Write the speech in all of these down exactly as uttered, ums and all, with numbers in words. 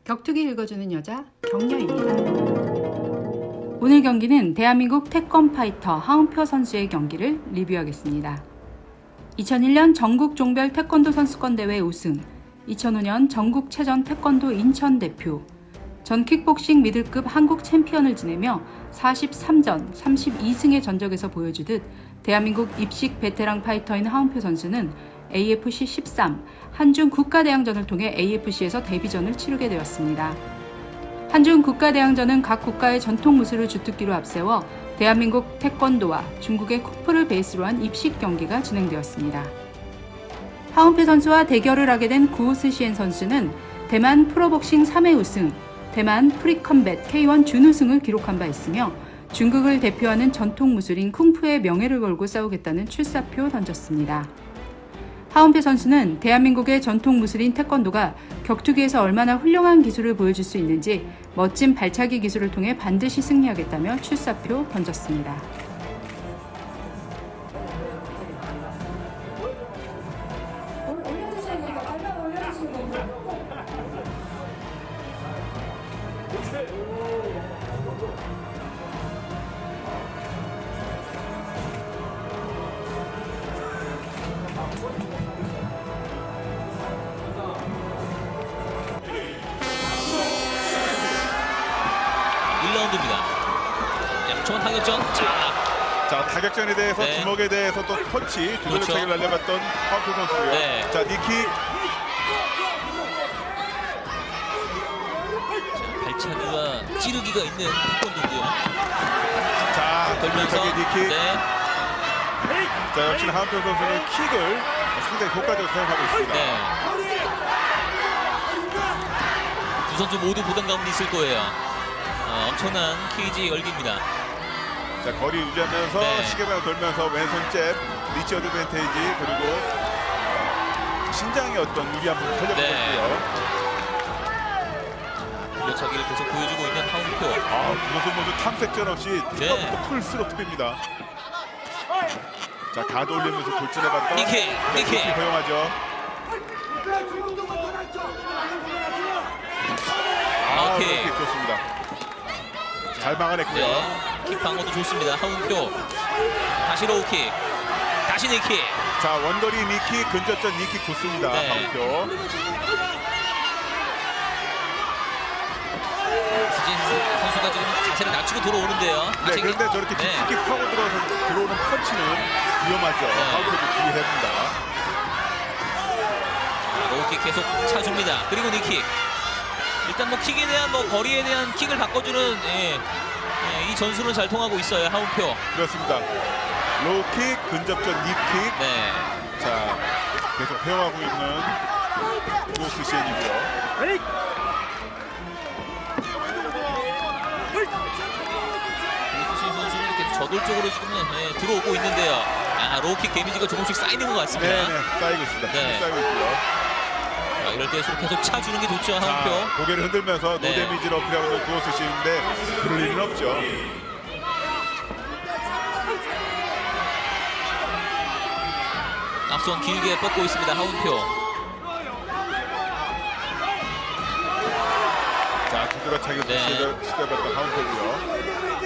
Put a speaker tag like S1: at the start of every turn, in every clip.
S1: 격투기 읽어주는 여자 경녀입니다. 오늘 경기는 대한민국 태권 파이터 하운표 선수의 경기를 리뷰하겠습니다. 이천일 년 전국 종별 태권도 선수권 대회 우승, 이천오 년 전국체전 태권도 인천 대표, 전 킥복싱 미들급 한국 챔피언을 지내며 사십삼 전 삼십이 승의 전적에서 보여주듯 대한민국 입식 베테랑 파이터인 하운표 선수는 에이에프씨 십삼 한중 국가대항전을 통해 에이에프씨에서 데뷔전을 치르게 되었습니다. 한중 국가대항전은 각 국가의 전통 무술을 주특기로 앞세워 대한민국 태권도와 중국의 쿵푸를 베이스로 한 입식 경기가 진행되었습니다. 하운표 선수와 대결을 하게 된 구오스시엔 선수는 대만 프로복싱 삼 회 우승, 대만 프리컴뱃 케이 원 준우승을 기록한 바 있으며 중국을 대표하는 전통 무술인 쿵푸의 명예를 걸고 싸우겠다는 출사표 던졌습니다. 하운표 선수는 대한민국의 전통 무술인 태권도가 격투기에서 얼마나 훌륭한 기술을 보여줄 수 있는지 멋진 발차기 기술을 통해 반드시 승리하겠다며 출사표 던졌습니다.
S2: 일 라운드입니다. 양초원 타격전. 자,
S3: 자 타격전에 대해서
S2: 네.
S3: 주먹에 대해서 또 펀치 두
S2: 그렇죠.
S3: 번의 차기를 날려봤던 하운표 선수고요.
S2: 네.
S3: 자 니키
S2: 발차기와 찌르기가 있는 태권도고요.
S3: 자
S2: 걸면서
S3: 돌면서 니키.
S2: 네,
S3: 자 역시 하운표 선수는 킥을 상당히 효과적으로 사용하고 있습니다.
S2: 네. 두 선수 모두 부담감이 있을 거예요. 어, 엄청난 케이지 열기입니다.
S3: 자 거리 유지하면서
S2: 네.
S3: 시계방을 돌면서 왼손 잽, 리치 어드밴테이지 그리고 신장의 어떤 유리함을 살려보고
S2: 네.
S3: 있고요.
S2: 밀려차기를 계속 보여주고 있는 하운표.
S3: 아, 두 선수 모두 탐색전 없이
S2: 네.
S3: 처음부터 풀스로트입니다. 자 가드 올리면서 돌진해봤던
S2: 니키,
S3: 네,
S2: 니키.
S3: 니키 허용하죠. 아,
S2: 오케이.
S3: 이렇게 좋습니다. 잘 막아냈고요.
S2: 네, 킥 방어도 좋습니다. 하운표. 다시 로우킥. 다시 니킥.
S3: 자 원거리 니킥, 근접전 니킥 좋습니다.
S2: 네.
S3: 하운표.
S2: 수진 선수가 지금 자세를 낮추고 들어오는데요.
S3: 네,
S2: 다시
S3: 그런데 저렇게
S2: 네.
S3: 깊숙이 파고 들어서 들어오는 펀치는 위험하죠.
S2: 네.
S3: 하운표도 주의해야 합니다.
S2: 로우킥 계속 차줍니다. 그리고 니킥. 일단 뭐 킥에 대한 뭐 거리에 대한 킥을 바꿔주는 예, 예, 이 전술은 잘 통하고 있어요. 하운표.
S3: 그렇습니다. 로우킥, 근접전 니킥.
S2: 네.
S3: 자 계속 허용하고 있는 구오스시엔이고요.
S2: 구오스시엔 선수는 이렇게 저돌적으로 지금 예, 들어오고 있는데요. 아, 로우킥 데미지가 조금씩 쌓이는 것 같습니다.
S3: 네네 쌓이고 있습니다.
S2: 네.
S3: 쌓이고 있고요.
S2: 자, 이럴 때일수록 계속 차주는 게 좋죠.
S3: 자
S2: 하운표.
S3: 고개를 흔들면서
S2: 네.
S3: 노데미지를 어필하고 있는 구오스시인데 그럴 일은 없죠.
S2: 앞선 길게 뻗고 있습니다. 하운표.
S3: 자 두드러차기를
S2: 네.
S3: 시도- 시도해봤던 하운표고요.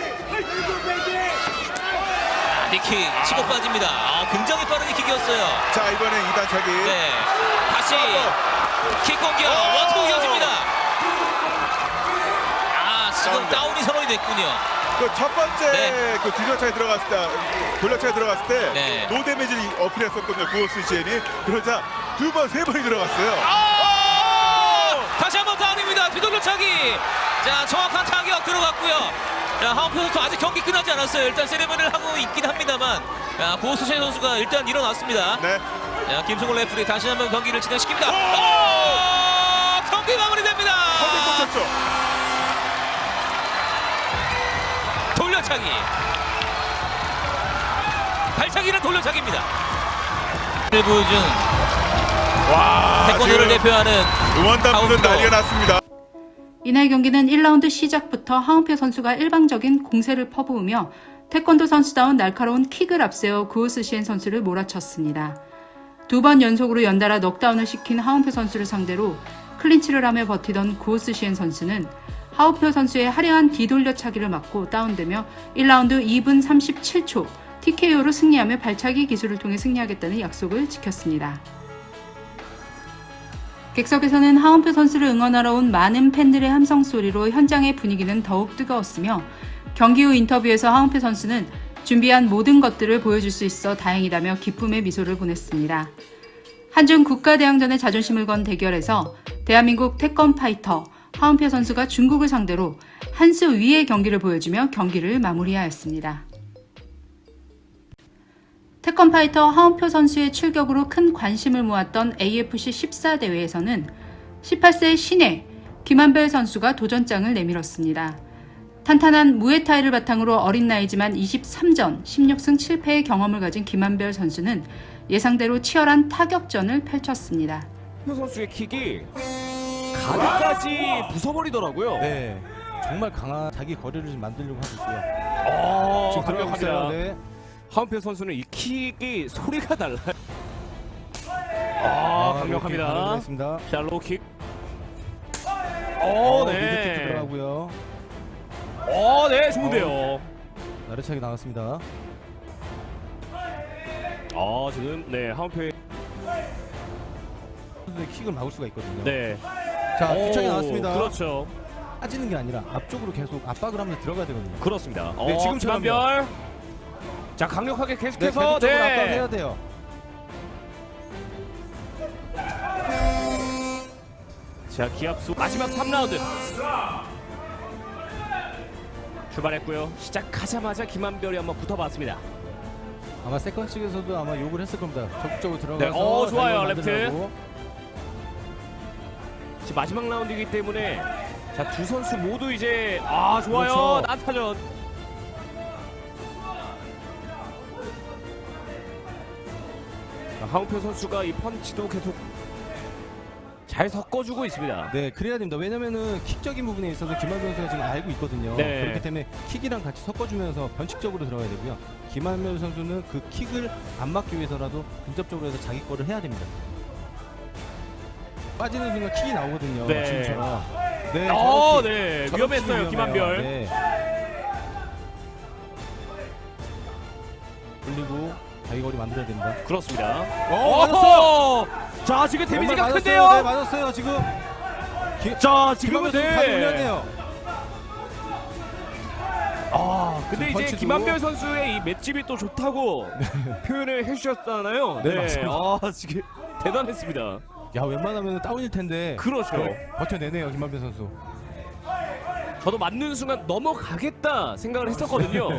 S2: 아, 니킥 치고 빠집니다. 아, 굉장히 빠른 니킥이었어요.
S3: 자 이번엔 이단차기.
S2: 네. 다시 킥 공격.
S3: 오!
S2: 원투 이어집니다. 아, 지금
S3: 다운돼.
S2: 다운이 선언이 됐군요.
S3: 그 첫 번째
S2: 네.
S3: 그 뒤돌차에 들어갔을 때, 돌려차에 들어갔을 때
S2: 네.
S3: 노데미지를 어필했었거든요. 구오스시엔이. 그러자 두 번, 세 번이 들어갔어요.
S2: 아! 다시 한번 다운입니다. 뒤돌려차기. 자, 정확한 타격 들어갔고요. 자, 하운표 선수 아직 경기 끝나지 않았어요. 일단 세레머니를 하고 있긴 합니다만, 자, 구오스시엔 선수가 일단 일어났습니다.
S3: 네.
S2: 자, 김승호 레프리 다시 한번 경기를 진행시킵니다.
S3: 오!
S2: 오! 경기 마무리됩니다.
S3: 허리 꽂혔죠.
S2: 돌려차기. 발차기는 돌려차기입니다. 를 보여준
S3: 와.
S2: 태권도를
S3: 지금
S2: 대표하는
S3: 응원단분은
S2: 하운표.
S3: 난리가 났습니다.
S1: 이날 경기는 일 라운드 시작부터 하운표 선수가 일방적인 공세를 퍼부으며 태권도 선수다운 날카로운 킥을 앞세워 구오스시엔 선수를 몰아쳤습니다. 두 번 연속으로 연달아 넉다운을 시킨 하운표 선수를 상대로 클린치를 하며 버티던 고스시엔 선수는 하운표 선수의 화려한 뒤돌려차기를 맞고 다운되며 일 라운드 이 분 삼십칠 초 티케이오로 승리하며 발차기 기술을 통해 승리하겠다는 약속을 지켰습니다. 객석에서는 하운표 선수를 응원하러 온 많은 팬들의 함성 소리로 현장의 분위기는 더욱 뜨거웠으며 경기 후 인터뷰에서 하운표 선수는 준비한 모든 것들을 보여줄 수 있어 다행이라며 기쁨의 미소를 보냈습니다. 한중 국가대항전의 자존심을 건 대결에서 대한민국 태권 파이터 하운표 선수가 중국을 상대로 한 수 위의 경기를 보여주며 경기를 마무리하였습니다. 태권 파이터 하운표 선수의 출격으로 큰 관심을 모았던 에이에프씨 십사 대회에서는 십팔 세 신예 김한별 선수가 도전장을 내밀었습니다. 탄탄한 무에타이를 바탕으로 어린 나이지만 이십삼 전 십육 승 칠 패의 경험을 가진 김한별 선수는 예상대로 치열한 타격전을 펼쳤습니다.
S4: 표 선수의 킥이 가드까지 부숴버리더라고요.
S5: 네, 정말 강한 자기 거리를 좀 만들려고 하고 있고요.
S4: 어,
S5: 지금 들어가고 있어요.
S4: 강력합니다.
S5: 네.
S4: 하운표 선수는 이 킥이 소리가 달라요. 아, 강력합니다.
S5: 강력합니다.
S4: 자, 로우킥.
S5: 어,
S4: 어,
S5: 미드킥
S4: 네.
S5: 들어가고요.
S4: 어, 네, 좋은데요.
S5: 나르차기 나갔습니다.
S4: 어, 지금 네, 하운표의
S5: 선수의 킥을 막을 수가 있거든요.
S4: 네.
S5: 자,
S4: 오,
S5: 뒤척이 나왔습니다.
S4: 그렇죠.
S5: 빠지는 게 아니라 앞쪽으로 계속 압박을 하면서 들어가야 되거든요.
S4: 그렇습니다.
S5: 네,
S4: 어,
S5: 지금처럼요.
S4: 김한별. 자, 강력하게
S5: 네,
S4: 계속해서
S5: 계속적으로 압박을
S4: 네.
S5: 해야 돼요.
S4: 자, 기합수 마지막 삼 라운드 출발했고요. 시작하자마자 김한별이 한번 붙어봤습니다.
S5: 아마 세컨 측에서도 아마 욕을 했을 겁니다. 적극적으로 들어가서
S4: 네, 어, 좋아요,
S5: 자유를
S4: 레프트.
S5: 만들려고.
S4: 지금 마지막 라운드이기 때문에 자, 두 선수 모두 이제 아, 좋아요.
S5: 그렇죠.
S4: 난타전. 자, 하운표 선수가 이 펀치도 계속 잘 섞어주고 있습니다.
S5: 네, 그래야 됩니다. 왜냐면은 킥적인 부분에 있어서 김한별 선수가 지금 알고 있거든요.
S4: 네.
S5: 그렇기 때문에 킥이랑 같이 섞어주면서 변칙적으로 들어가야 되고요. 김한별 선수는 그 킥을 안 막기 위해서라도 근접적으로 해서 자기 거를 해야 됩니다. 빠지는 순간 킥이 나오거든요.
S4: 네.
S5: 지금처럼. 네,
S4: 어,
S5: 저렇게-
S4: 네.
S5: 저렇게
S4: 위험했어요,
S5: 위험해요.
S4: 김한별.
S5: 네. 올리고 자기 거리 만들어야 됩니다.
S4: 그렇습니다.
S5: 어, 맞았어요.
S4: 자, 지금 데미지가
S5: 왼발
S4: 큰데요.
S5: 맞았어요. 네, 맞았어요. 지금. 기,
S4: 자, 지금은
S5: 김한별 선수 다리
S4: 네.
S5: 올렸네요.
S4: 아, 근데
S5: 지금
S4: 이제
S5: 펀치도-
S4: 김한별 선수의 이 맷집이 또 좋다고 표현을 해주셨잖아요.
S5: 네, 맞습니다.
S4: 아, 지금 대단했습니다.
S5: 야, 웬만하면 다운일 텐데.
S4: 그렇죠.
S5: 네, 버텨내네요, 김한별 선수.
S4: 저도 맞는 순간 넘어가겠다 생각을 했었거든요.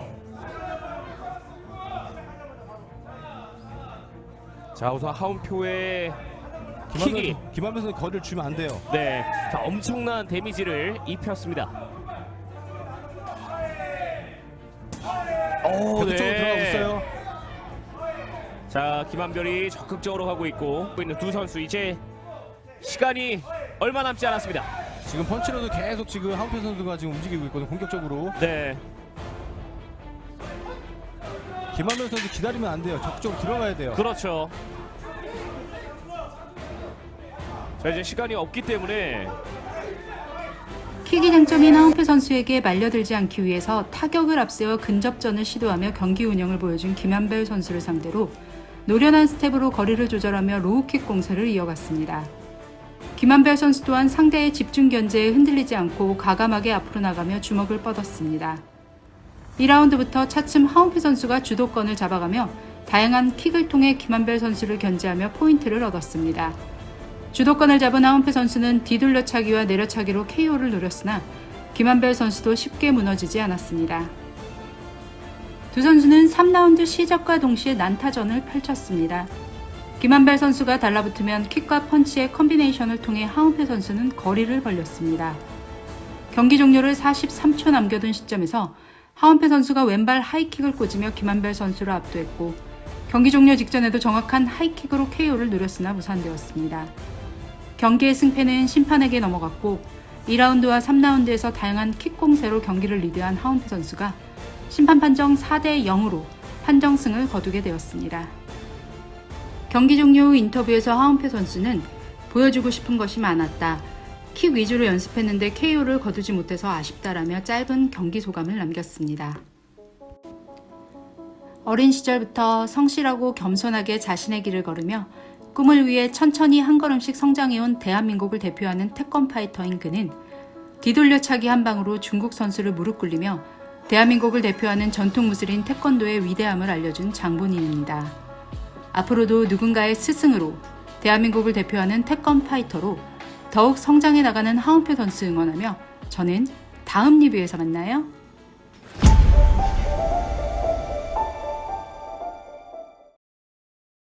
S4: 자, 우선 하운표의
S5: 김한별,
S4: 킥이
S5: 선수- 김한별 선수 거리를 주면 안 돼요.
S4: 네, 자, 엄청난 데미지를 입혔습니다. 오,
S5: 벽 쪽으로 들어가고 있어요.
S4: 자, 김한별이 적극적으로 가고 있고 있는 두 선수 이제 시간이 얼마 남지 않았습니다.
S5: 지금 펀치로도 계속 지금 하운표 선수가 지금 움직이고 있거든요, 공격적으로.
S4: 네,
S5: 김한별 선수 기다리면 안 돼요. 적극적으로 들어가야 돼요.
S4: 그렇죠. 자, 이제 시간이 없기 때문에
S1: 킥이 장점인 하운표 선수에게 말려들지 않기 위해서 타격을 앞세워 근접전을 시도하며 경기 운영을 보여준 김한별 선수를 상대로 노련한 스텝으로 거리를 조절하며 로우킥 공세를 이어갔습니다. 김한별 선수 또한 상대의 집중 견제에 흔들리지 않고 과감하게 앞으로 나가며 주먹을 뻗었습니다. 이 라운드부터 차츰 하운표 선수가 주도권을 잡아가며 다양한 킥을 통해 김한별 선수를 견제하며 포인트를 얻었습니다. 주도권을 잡은 하운표 선수는 뒤돌려차기와 내려차기로 케이오를 노렸으나 김한별 선수도 쉽게 무너지지 않았습니다. 두 선수는 삼 라운드 시작과 동시에 난타전을 펼쳤습니다. 김한별 선수가 달라붙으면 킥과 펀치의 컨비네이션을 통해 하운표 선수는 거리를 벌렸습니다. 경기 종료를 사십삼 초 남겨둔 시점에서 하운표 선수가 왼발 하이킥을 꽂으며 김한별 선수를 압도했고 경기 종료 직전에도 정확한 하이킥으로 케이오를 누렸으나 무산되었습니다. 경기의 승패는 심판에게 넘어갔고 이 라운드와 삼 라운드에서 다양한 킥 공세로 경기를 리드한 하운표 선수가 심판 판정 사 대 영으로 판정승을 거두게 되었습니다. 경기 종료 후 인터뷰에서 하운표 선수는 보여주고 싶은 것이 많았다. 킥 위주로 연습했는데 케이오를 거두지 못해서 아쉽다라며 짧은 경기 소감을 남겼습니다. 어린 시절부터 성실하고 겸손하게 자신의 길을 걸으며 꿈을 위해 천천히 한 걸음씩 성장해온 대한민국을 대표하는 태권 파이터인 그는 뒤돌려차기 한 방으로 중국 선수를 무릎 꿇리며 대한민국을 대표하는 전통 무술인 태권도의 위대함을 알려준 장본인입니다. 앞으로도 누군가의 스승으로 대한민국을 대표하는 태권 파이터로 더욱 성장해 나가는 하운표 선수 응원하며 저는 다음 리뷰에서 만나요.